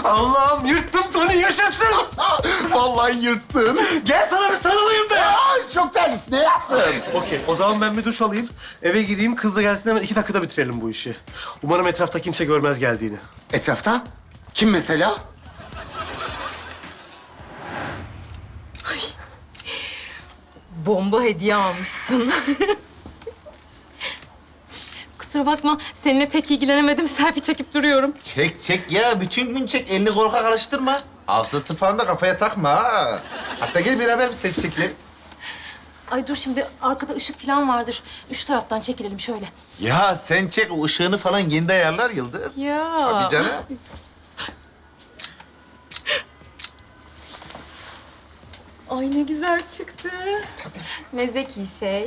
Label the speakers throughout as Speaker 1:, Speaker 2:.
Speaker 1: Allah'ım yırttım Tony, yaşasın.
Speaker 2: Vallahi yırttın.
Speaker 1: Gel sana bir sarılayım da.
Speaker 2: Ay, çok terlis. Ne yaptın?
Speaker 1: Okey, o zaman ben bir duş alayım. Eve gideyim, kız da gelsin, hemen 2 dakikada bitirelim bu işi. Umarım etrafta kimse görmez geldiğini.
Speaker 2: Etrafta? Kim mesela?
Speaker 3: Bomba hediye almışsın. Kusura bakma, seninle pek ilgilenemedim. Selfie çekip duruyorum.
Speaker 4: Çek ya. Bütün gün çek. Elini korkak alıştırma. Hafızası falan da kafaya takma ha. Hatta gel beraber bir selfie çekelim.
Speaker 3: Ay dur şimdi, arkada ışık falan vardır. Üç taraftan çekilelim şöyle.
Speaker 4: Ya sen çek. O ışığını falan kendi ayarlar Yıldız.
Speaker 3: Ya.
Speaker 4: Tabii canım.
Speaker 3: Ay ne güzel çıktı. Ne zeki şey.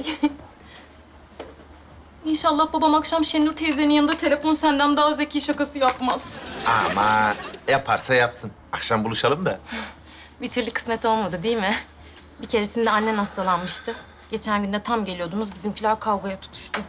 Speaker 3: İnşallah babam akşam Şenur teyzenin yanında telefon senden daha zeki şakası yapmaz.
Speaker 4: Aman yaparsa yapsın. Akşam buluşalım da.
Speaker 3: Bir türlü kısmet olmadı değil mi? Bir keresinde annen hastalanmıştı. Geçen gün de tam geliyordunuz, bizimkiler kavgaya tutuştu.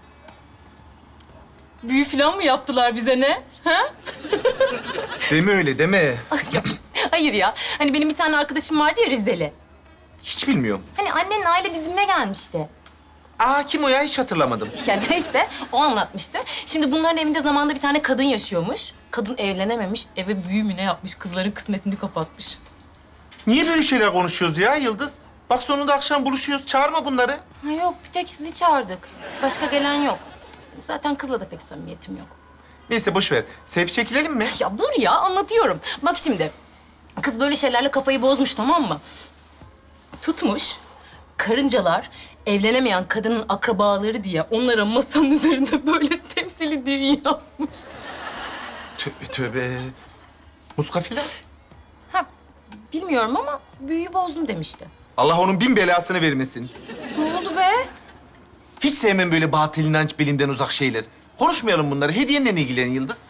Speaker 3: Büyü falan mı yaptılar bize ne? Ha?
Speaker 4: Deme öyle deme.
Speaker 3: Hayır ya. Hani benim bir tane arkadaşım vardı ya, Rizeli.
Speaker 4: Hiç bilmiyorum.
Speaker 3: Hani annenin aile dizimine gelmişti.
Speaker 4: Aa kim o ya? Hiç hatırlamadım.
Speaker 3: Ya neyse, o anlatmıştı. Şimdi bunların evinde zamanında bir tane kadın yaşıyormuş. Kadın evlenememiş, eve büyü mü ne yapmış, kızların kısmetini kapatmış.
Speaker 4: Niye böyle şeyler konuşuyoruz ya Yıldız? Bak sonunda akşam buluşuyoruz. Çağırma bunları.
Speaker 3: Ha yok, bir tek sizi çağırdık. Başka gelen yok. Zaten kızla da pek samimiyetim yok.
Speaker 4: Neyse boş ver. Selfie çekilelim mi?
Speaker 3: Ya dur ya, anlatıyorum. Bak şimdi, kız böyle şeylerle kafayı bozmuş, tamam mı? Tutmuş, karıncalar evlenemeyen kadının akrabaları diye onlara masanın üzerinde böyle temsili düğün yapmış.
Speaker 4: Tövbe tövbe. Muska filan.
Speaker 3: Ha, bilmiyorum ama büyüyü bozdum demişti.
Speaker 4: Allah onun bin belasını vermesin.
Speaker 3: Ne oldu be?
Speaker 4: Hiç sevmem böyle batıl inanç, bilimden uzak şeyler. Konuşmayalım bunları. Hediyenle ilgilen Yıldız.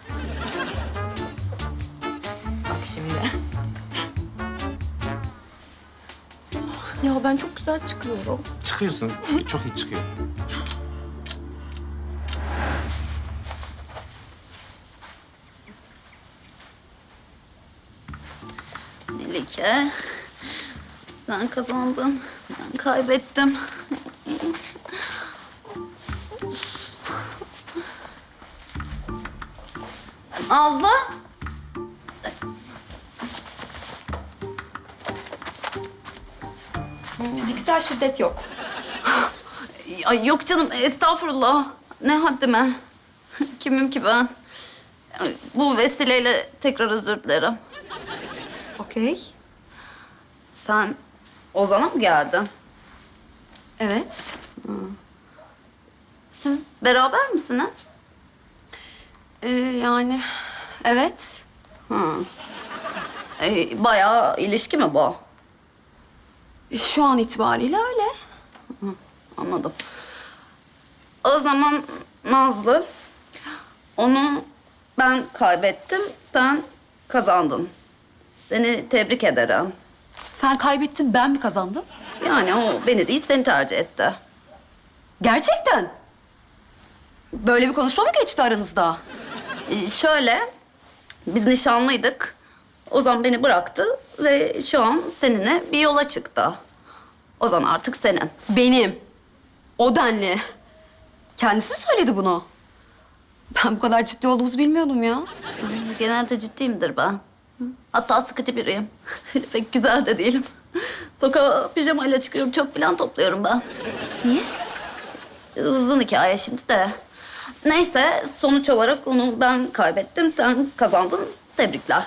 Speaker 3: Bak şimdi. Ya ben çok güzel çıkıyorum.
Speaker 4: Çıkıyorsun. Çok iyi çıkıyor.
Speaker 5: Melike, sen kazandın, ben kaybettim. Nazlı.
Speaker 6: Fiziksel şiddet yok.
Speaker 5: Ay yok canım, estağfurullah. Ne haddime. Kimim ki ben? Bu vesileyle tekrar özür dilerim.
Speaker 6: Okey.
Speaker 5: Sen Ozan'a mı geldin?
Speaker 6: Evet.
Speaker 5: Siz beraber misiniz?
Speaker 6: Yani evet.
Speaker 5: Bayağı ilişki mi bu?
Speaker 6: Şu an itibariyle öyle.
Speaker 5: Anladım. O zaman Nazlı, onu ben kaybettim, sen kazandın. Seni tebrik ederim.
Speaker 6: Sen kaybettin, ben mi kazandım?
Speaker 5: Yani o beni değil, seni tercih etti.
Speaker 6: Gerçekten. Böyle bir konuşma mı geçti aranızda?
Speaker 5: Şöyle, biz nişanlıydık. Ozan beni bıraktı ve şu an seninle bir yola çıktı. Ozan artık senin.
Speaker 6: Benim. O denli. Kendisi mi söyledi bunu? Ben bu kadar ciddi olduğumuzu bilmiyordum ya.
Speaker 5: Genelde ciddiyimdir ben. Hatta sıkıcı biriyim. Pek güzel de değilim. Sokağa pijamayla çıkıyorum, çöp falan topluyorum ben.
Speaker 6: Niye?
Speaker 5: Uzun hikaye şimdi de. Neyse, sonuç olarak onu ben kaybettim, sen kazandın. Tebrikler.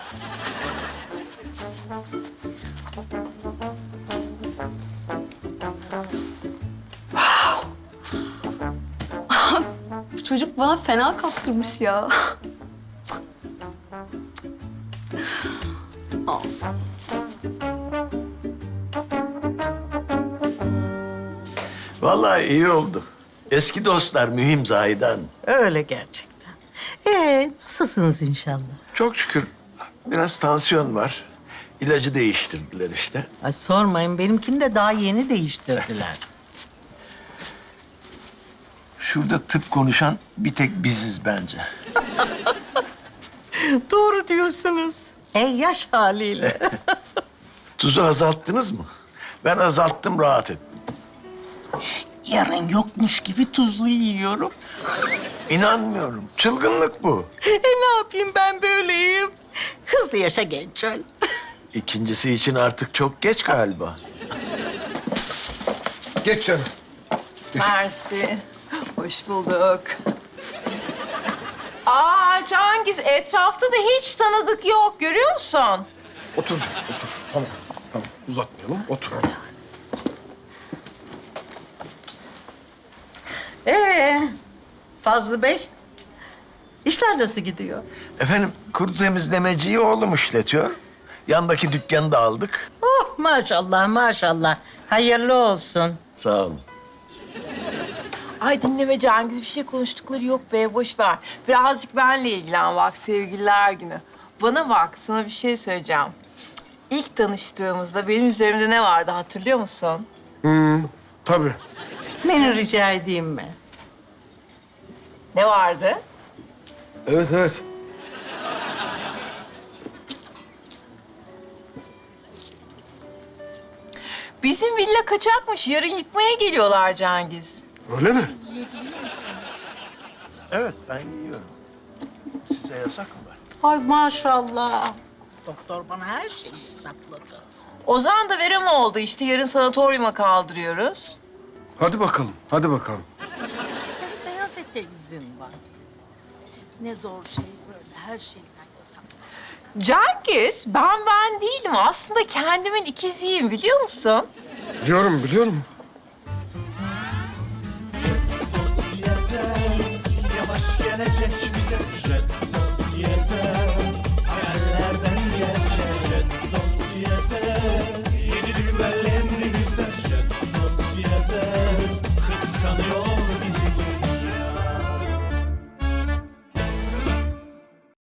Speaker 6: Bu çocuk bana fena kaptırmış ya.
Speaker 7: Vallahi iyi oldu. Eski dostlar mühim Zahide.
Speaker 8: Öyle gerçekten. Nasılsınız inşallah?
Speaker 7: Çok şükür biraz tansiyon var. İlacı değiştirdiler işte.
Speaker 8: Ay sormayın, benimkini de daha yeni değiştirdiler.
Speaker 7: Şurada tıp konuşan bir tek biziz bence.
Speaker 8: Doğru diyorsunuz. Yaş haliyle.
Speaker 7: Tuzu azalttınız mı? Ben azalttım, rahat ettim.
Speaker 8: Yarın yokmuş gibi tuzlu yiyorum.
Speaker 7: İnanmıyorum. Çılgınlık bu.
Speaker 8: Ne yapayım ben böyleyim? Hızlı yaşa genç öl.
Speaker 7: İkincisi için artık çok geç galiba.
Speaker 1: Geç canım.
Speaker 9: Mersi. Hoş bulduk. Aa Cengiz, etrafta da hiç tanıdık yok. Görüyor musun?
Speaker 1: Otur, otur. Tamam, tamam. Uzatmayalım, otur.
Speaker 8: Fazlı Bey, işler nasıl gidiyor?
Speaker 7: Efendim, kuru temizlemeciyi oğlum işletiyor. Yandaki dükkanı da aldık.
Speaker 8: Oh maşallah maşallah. Hayırlı olsun.
Speaker 7: Sağ olun.
Speaker 9: Ay dinleme Cengiz, bir şey konuştukları yok be, boş ver. Birazcık benle ilgilen bak, sevgililer günü. Bana bak, sana bir şey söyleyeceğim. İlk tanıştığımızda benim üzerimde ne vardı hatırlıyor musun?
Speaker 1: Tabii.
Speaker 8: Beni rica edeyim mi?
Speaker 9: Ne vardı?
Speaker 1: Evet, evet.
Speaker 9: Bizim villa kaçakmış, yarın yıkmaya geliyorlar Cengiz.
Speaker 1: Öyle mi?
Speaker 7: Evet, ben yiyorum. Size yasak mı var?
Speaker 8: Ay maşallah. Doktor bana her şeyi sakladı.
Speaker 9: Ozan da verem oldu işte, yarın sanatoryuma kaldırıyoruz.
Speaker 1: Hadi bakalım, hadi bakalım.
Speaker 8: Tek beyaz ete izin var. Ne zor şey böyle her şeyden yasak.
Speaker 9: Cengiz, ben değilim. Aslında kendimin ikiziyim biliyor musun?
Speaker 1: Biliyorum, biliyorum.